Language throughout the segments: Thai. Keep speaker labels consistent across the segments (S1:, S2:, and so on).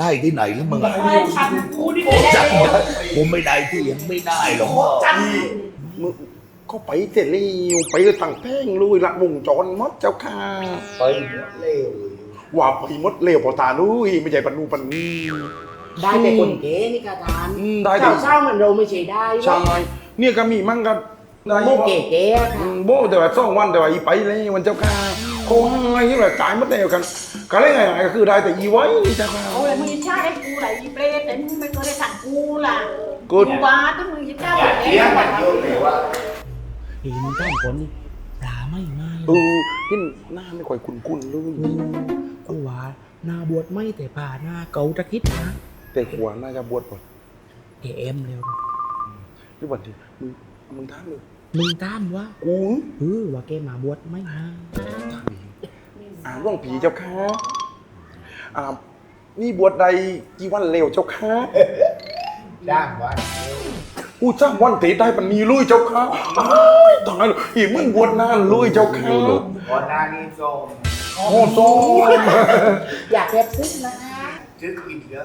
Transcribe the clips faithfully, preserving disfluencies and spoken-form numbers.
S1: ได้ที่ไหนแล้วมึงอะ
S2: ไม่ฉันกูนี่ไม่ได้
S1: จังผมไม่ได้ที่ยังไม่ได้หรอกพ่อ
S2: จัน
S3: มึงก็ไปเสร็จแล้วไปตั้งแท่งลุยละวงจรมดเจ้าค่ะ
S1: ไปหมดเร็ว
S3: ว่าไปมดเร็วพอตาลุยไม่ใช่ปนูปันนี้
S2: ได้แต่คนเก๋นี่กาทาน
S3: อืมได้ดิ
S2: เศร้าๆเหมือนเราไม่ใช่ได้
S3: ใช่เนี่ยก็มีมั่งกันได้
S2: โมเก๋เก๋ๆ
S3: อื
S2: ค่ะ
S3: มโบแต่ว่าสองวันแต่ว่าอีไปเลยวันเจ้าค่ะโค้งอะไรที่แบบจ่ายหมดแล้วกันก็เลยไงก็คือได้แต่อีไว้นี่เจ้าค่ะ
S4: โอ้ยมึงใช่ไอ้กูไหลเปรตแต่มึงไม่เคยได้สั่งกูล่ะ
S3: กู
S4: กูบาต้องมึงจะเจ้า
S1: อย่าเถียงกันเยอะเลยว่า
S2: เห็นต้นคนนี่ปลาไม่ไหม
S3: เออเห็นหน้าไม่ค่อยคุ้นๆเลย
S2: กูว่าหน้าบวชไม่แต่ป่าหน้าเกาตะคิดนะ
S3: แต่หัวน่าจะบวชก่อน
S2: เอ็มเร็ว
S3: หรือวันที่มึงมึงถามเลย
S2: มึงตามวะ
S3: กู
S2: เออว่าแกมาบวชไม่มา
S3: อ่าร่วงผีเจ้าค่ะอ่านี่บวชใดกี่วันเร็วเจ้าค่ะ
S1: จ้างวัน
S3: กูจ้างวันเตะได้ปันนี้ลุยเจ้าค่ะอ้ายตายเลยอีมึงบวชนานลุยเจ้าค่ะ
S1: ก่อนหน้านี้โซม
S3: โอ้โซ
S2: อยากแบบซึ้งนะ
S1: ซื้อกินเลย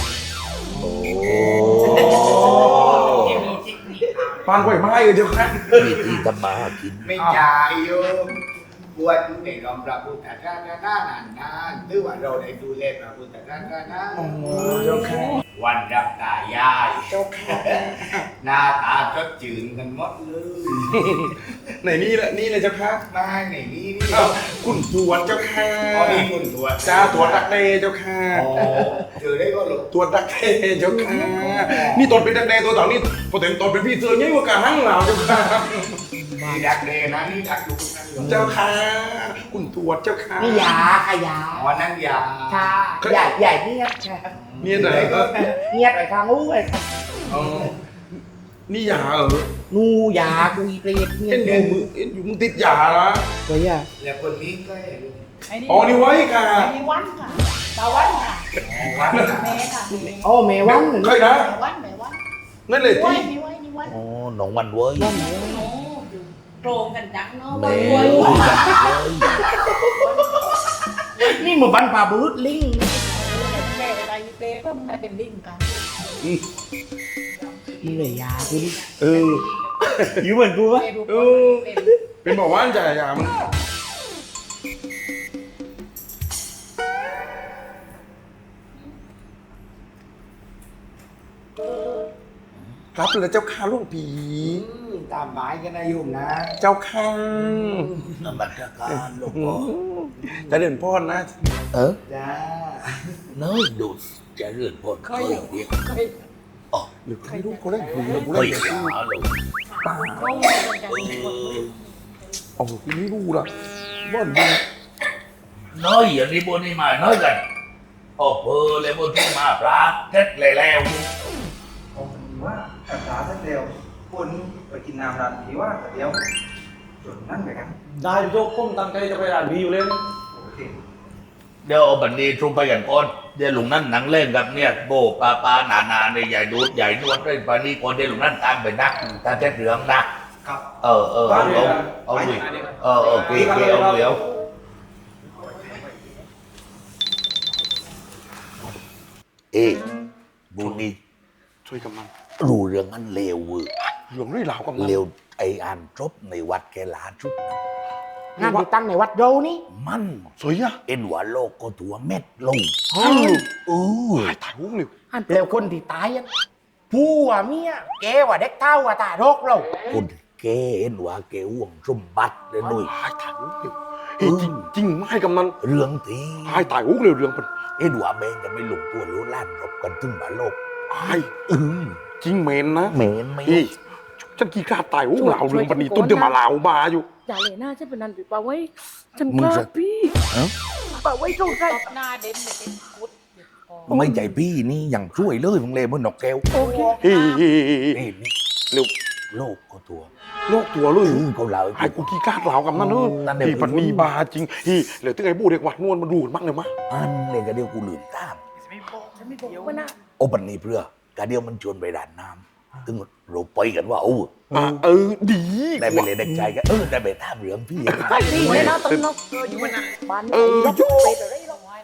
S3: ปานไหวไม้เลยเจ้าค่ะ
S1: มีที่ทำมาหากินไม่จ่ายโยมบวชในรอมพระพุทธศาสนานานนานหรือว่าเราได้ดูแลพระพุทธศาสนา
S3: อ๋อเจ้าค่ะ
S1: วันรับตายายเจ้าค่ะหน้าตาก็จืดกันหมดเลย
S3: ไหนนี่แหละนี่เลยเจ้าค่ะ
S1: มาในนี้นี่
S3: อ้าวคุณตรวจเจ้าค่ะ
S1: ตอนนี้คุณตรวจ
S3: จ้าตรวจดักเดเจ้าค่ะ
S1: อ๋อเจอได้ก็หลบ
S3: ตรวจดักเดเจ้าค่ะนี่ตรวจเป็นดักเดตัวต่อนี่พอเต็มตรวจเป็นพี่เสือยิ่งกว่ากระหังเหล่าเจ้าค่ะ
S1: นี่ดักเดนะนี่ดักลูกนั่นอยู่
S3: เจ้าค่ะคุณตรวจเจ้าค่ะ
S2: นี่ยาค่ะยา
S1: อ๋อนั่นยา
S2: ค่ะใหญ่ใหญ่เนียดค่ะ
S3: เนี่ยไหนเออ
S2: เนียดไปทางอู้ไปค่ะ
S3: อ๋อนี่ยาเออ
S2: นูยากูอีเปรตเนีย
S3: เอ็
S2: ด
S3: นอยู่มือเอ็นอยู่มึงติดยาละ
S2: ตัวยา
S1: แล้วคนนี้ก็เห็น
S4: ไอ้นี่
S3: อ๋อนี่ไว้ค่ะ
S4: ไอ้นี่วันค่ะตาวันค่ะ
S1: วัด
S4: แม่ค่ะ
S2: โอ้เมวันเหมือน
S3: เคยนะ
S4: แม่วันแม่วัน
S3: นั่นเลย
S4: ไว้
S3: ที่
S4: นี่ไว้นี่ไว้
S1: อ๋อหนองวันเว้ย
S2: วันเหมือน
S4: โอ้อยู่โปรงกันจังเนาะ
S1: แม่
S4: วันไว้
S2: นี่เหมือนบันปลาบูดลิง
S4: แม่อะไรเปรตก็ไม่เป็นลิงกัน
S2: มึงเลยยากูดิ
S3: เออ
S2: อยู่เหมือนกูปะ
S4: แม่ดูคนเป็น
S3: เป็นบอกว่าจ่ายยามันรับเลยเจ้าค่ะลูกผี
S1: ตามหมายกันนะโยมนะ
S3: เจ้าค่ะ
S1: นมัสการหลวงพ่อ
S3: จะเดินพ่อนะ
S1: เออจ้าน้อยดูจะเลื่อนพ้นเคยเดียว
S4: เคย
S3: หรือใครรู้เขาเล่นผีหรือกู
S1: เค
S3: เล่
S1: ย
S3: นผี
S1: หาเลย
S4: โปรงกันจัง
S3: อ๋อกูไม่รู้ละว่าดี
S1: น้อยอย่างนี้บนนี่มาน้อยกันโอ้เพอเลยบนที่มาปลาเท็ดเลยแล้ว
S5: ผมว่าภาษาสักเดียวคนไปกินน้ำร้านผีว่าแต่เดียวจุดนั่นไปกัน
S6: ได้โยกผมตั้งใจจะไปร้านบีอยู่เลย
S5: โอเค
S1: เดี๋ยวเอาบันนี้ตรงไปกันก่อนเดี๋ยวลุงนั่นหนังเล่นกับเนี่ยโบปลาปลาหนานาในใหญ่ดูดใหญ่นวดเล่นปลานี้ก่อนเดี๋ยวลุงนั่นตามไปนะตามเท็ดเหลืองนะครับ เออเออเอาเอาเอาดิเออเออเกเกเอาเดี๋ยวเอ๊ะบุญนี่
S3: ช่วยกำลัง
S1: รู้เรื่องนั้นเลวเว้ย
S3: เหลืองด้วยเหลาวกับมัน
S1: เลวไออ่านจบในวัดแกหลาชุดนั้น
S2: งานที่ตั้งในวัดโยนี่
S1: มัน
S3: สวยอะ
S1: เอ็นว่าโลกก็ตัวเม็ดลง
S3: ฮัลโหล
S1: เออ
S3: ถ่ายถ่ายรูปเลย
S2: อันเปลวคนที่ตายอ่ะผู้อ่ะเมียแกว่าเด็กเท่าว่าตาโรคเรา
S1: คนแกเอ็นว่าแกห่วงสมบัติเลยหนุ่ย
S3: ถ่ายถ่ายรูปเลยเฮ้ยจริงจริงไม่ให้กำนัน
S1: เรื่องที
S3: ถ่ายถ่ายรูปเลยเรื่องมัน
S1: เอ็นว่าแมงกันไม่ลงตัวรู้ล้านรบกันถึงมาโลก
S3: ไอ้
S1: เออ
S3: จริงเมนนะ
S1: เหมนไหม
S3: เฮ้ยฉันกี่กล้าตายรูปเหลาเรื่องปันนี้ต้นเดียวมาเหลาบาอยู่
S7: อย่าเลยหน้าฉันเป็นนันปิดปาไว้ฉันกล้าพี่ปาไว้ตรงไหน
S4: ตบหน้าเด่นเลยเป็นกุด
S1: ไม่ใจพี่นี่ยังช่วยเลยมึงเลยเหมื่อนนกแก้ว
S7: โอเค
S3: เฮ้ยเฮ้ยเฮ้ยเฮ้ย
S1: นี่นี่
S3: เร็ว
S1: โลกก็ตัว
S3: โลกตัวเลย
S1: อือเขาเล่า
S3: ไอ้กูกี่กล้าเหลากับนั่นเนอะ
S1: นั่นเดี๋ยว
S3: พี่ปันนีบาจริงเฮ้ยเหลือที่ไอ้บูเด็กวัดนวลมาดูกันบ้างเลยมะ
S1: อันเลยกระเดียวกูลืมตาม
S7: ฉันไม่บอกว่านะ
S1: โอปันนี่เพื่อกระเดียวมันชวนไปด่านน้ำถึงเราไปกันว่าโอ้
S3: อ่ะเออดี
S1: ได้ไปเลยเด็กใจกันเออได้ไปท่ามเรือพี่
S7: ไอ้พี่เลยนะต้นนกเอออยู่วันนั้นบ้าน
S3: เออ
S7: รถ
S3: โย
S7: ไปอะไรหรอก
S4: ไว้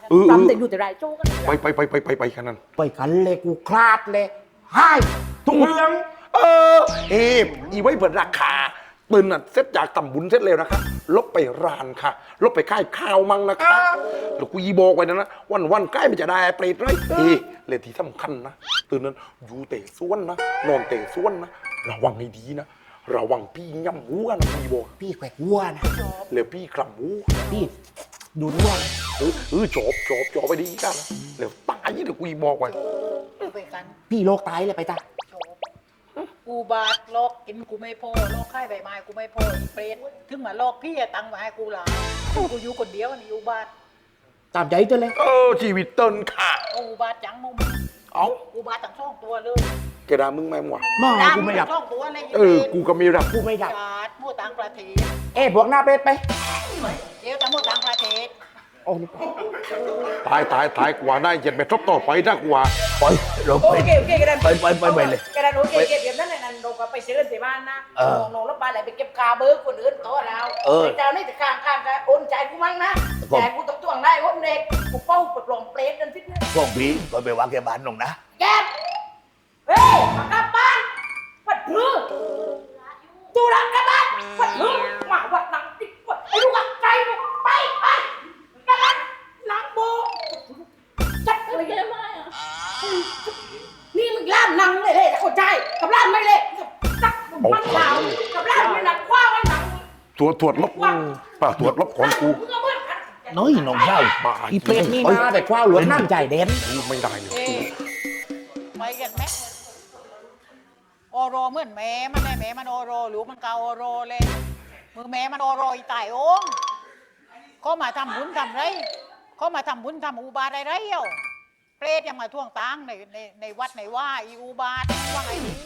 S3: เออเออ
S4: จำแต่อยู่แต่ไรโจ้กัน
S3: ไปไปไปไปไปไปกันนั่น
S2: ไปกันเลยกูคลาดเลยให้ทุกเรื่อง
S3: เออเอฟอีไว้เปิดราคาปืนน่ะเสร็จจากตำบุญเสร็จแล้วนะคะลบไปร้านค่ะลบไปค่ายข้าวมั่งนะคะแล้วกูยีบอกไว้นะนะวันวันๆใกล้มันจะได้เปรตเลยเฮ้เลยที่สำคัญนะตื่นนั้นอยู่เตะส้วนนะนอนเตะส้วนนะระวังให้ดีนะระวังพี่ย่ำหัวนะกูยีบอก
S2: พี่แขวกวัวนะ
S3: แล้วพี่กลับหู
S2: พี่ดูดวัวนะ
S3: เออเออจบจบจบไปดีกันนะแล้วตายเดี๋ยวกูยีบอกไว้
S4: ไปกัน
S2: พี่โลกตายเลยไปจ้ะ
S4: กูบาดโลกกินกูไม่พอโลกไข้ใบไม้กูไม่พออีเปรตถึงมาโลกพี่อะตังค์มาให้กูหลายกูอยู่คนเดียวนี่อยู่บ้าน
S2: ตามใจเธอเลย
S3: เออชีวิตเติ้นค่ะ
S4: กูบาดจังมึง
S3: เอ้า
S4: กูบาดทั้งสองตัวเลย
S3: แกด่ามึงไหมวะ
S2: หม้อ
S4: ดัง
S2: กูไม่ดับ
S4: ทั้งสองตัวเลย
S3: เออกูก็ไม่รับ
S2: กูไม่ดับ
S4: จาดมั่วต่างประเทศ
S2: เอ๊ะบวกหน้าเป็ดไป
S4: เดี๋ยวแต่มั่วต่างประเทศ
S2: โอ้นี่
S3: ตายตายตายกว่าได้เย็นไปทบต่อไปได้กว่า
S1: ไปเรา
S8: โอ
S1: ไป
S8: เคโอเคกันนั้น
S1: ไปไปไปไปเลย
S8: กันนั้นโอเคเก็บเก็บนั่นนั่นเราก็ไปเจอที่บ้านนะ
S1: เออ
S8: น้องแล้วบ้านไหนไปเก็บคาเบอร์คนอื่นตัวเรา
S1: เออ
S8: ไอ้เจ้านี่จะข้างข้างกันโอนใจกูมั้งนะ
S1: ผม
S8: แต่กูต้องจ้วงได้โอนเด็กกูเป้าปลดลงเปรตนั่นพิษนะ
S1: พวกพี่ก็ไปวางแกบ้านลงนะ
S8: แกเฮ้ยมากลับบ้านวัดพลือตูรักกลับบ้านวัดพลือมาวัดหนังติดวัดไอ้ลูกอักใจลูกไปไปกันนั้นหนังโบจัดอะไรกันมาอ่ะนี่มึงล่ามหนังเลยเลยแต่คนใจกับล่ามไม่เลยจักมันขาวกับล่ามไม่หนักคว้าไว้หนัง
S3: ตรวจตรวจลบป่าตรวจลบของกู
S8: มึงเอาเมื่อกัน
S1: น้อยน้องเจ้า
S3: บ้า
S2: อีเป็ดนี่มาแต่คว้าหลวงน้ำใจเด่น
S3: กูไม่ได้เลย
S4: เอ้ยไปกันไหมโอโรเหมือนแม่มันเลยแม่มันโอโรหรือมันเกาโอโรเลยมือแม่มันโอโรอีตายโอ้งเขามาทำบุญทำไรเขามาทำบุญทำอุบาทอะไรเอ้าเปรตยังมาท่วงตังในในในวัดในว่าอีอุบาทว่าไงดี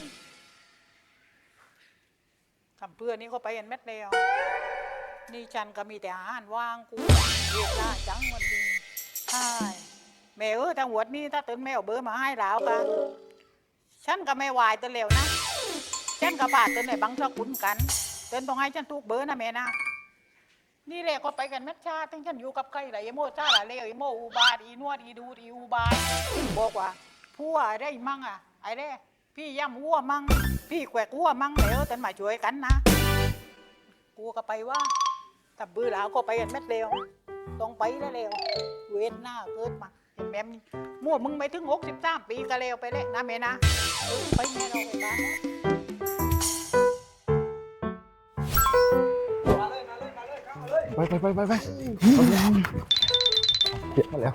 S4: ทำเพื่อนนี่เขาไปกันเม็ดเดียวนี่ฉันก็มีแต่อาหารว่างกูเวลาจังวันนี้ใช่แม่เออทางหวดนี่ถ้าตื่นแม่เอาเบอร์มาให้แล้วกันฉันก็ไม่วายตัวเร็วนะฉันก็พาตื่นในบังสกุลกันตื่นต้องให้ฉันทุกเบอร์นะแม่นะนี่แหละก็ไปกันเม็ดชาตั้งฉันอยู่กับใครไรโมชาละเลวไอโมอุบาทอีนวดอีดูดอีอุบาทบอกว่าผัวได้มั่งอ่ะไอ้เด้พี่ย่ำวัวมั่งพี่แขวกวัวมั่งเดี๋ยวตื่นมาช่วยกันนะกูก็ไปว่าแต่เบื่อแล้วก็ไปกันเม็ดเร็วต้องไปได้เร็วเว้นหน้าเกิดมาเห็นแม่มั่วมึงไปถึงหกสิบสามปีก็เร็วไปเลยนะแม่นะเออไปแม่เราไปบ้านนะ
S2: ไปไปไปไปไปเก็บมาแล้ว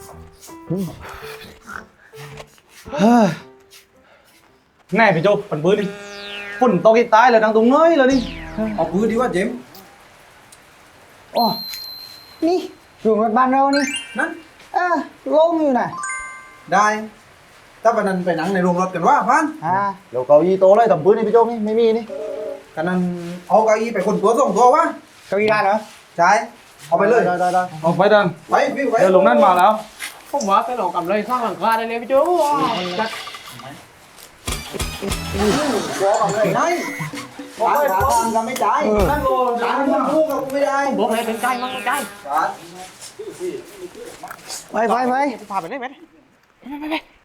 S6: แน่พี่โจปันปืนนี่ฝุ่นตกที่ตายเลยดังตรงน้อยเลยนี่
S5: เอาปืนดีว่าเจมส์
S9: อ๋อนี่อยู่รถบ้านเรานี่
S5: นั่น
S9: เออโล่งอยู่น่ะ
S5: ได้ถ้าปนันไปหนังในโรงรถกันว่าพัน
S9: อ่า
S6: เดี๋ยวเกาอี้โตเลยตำปืนนี่พี่โจนี่ไม่มีนี่
S5: กันนั้นเอาเก้าอี้ไปคนตัวส่งตัววะ
S9: เก้าอี้ได้เหรอ
S5: ใช่เอาไปเลย
S6: ได้ได้ได้เอาไปดัน
S5: ไปวิ่งไป
S6: เดี๋ยวลงนั่นมาแล้ว
S2: ผมว่าไปหลอกกับเลยข้างหลังคาได้เลยพี่โจ้
S5: บอกเอาเลยได้บอกไปทางกันไม่ได้นั่นโลร้านมันพูดกับกูไม่ได้
S2: บอกเลยเป็นใจมั้งใจ
S5: ร้าน
S9: ไปไปไป
S2: พาไปได้ไหมไปไปไป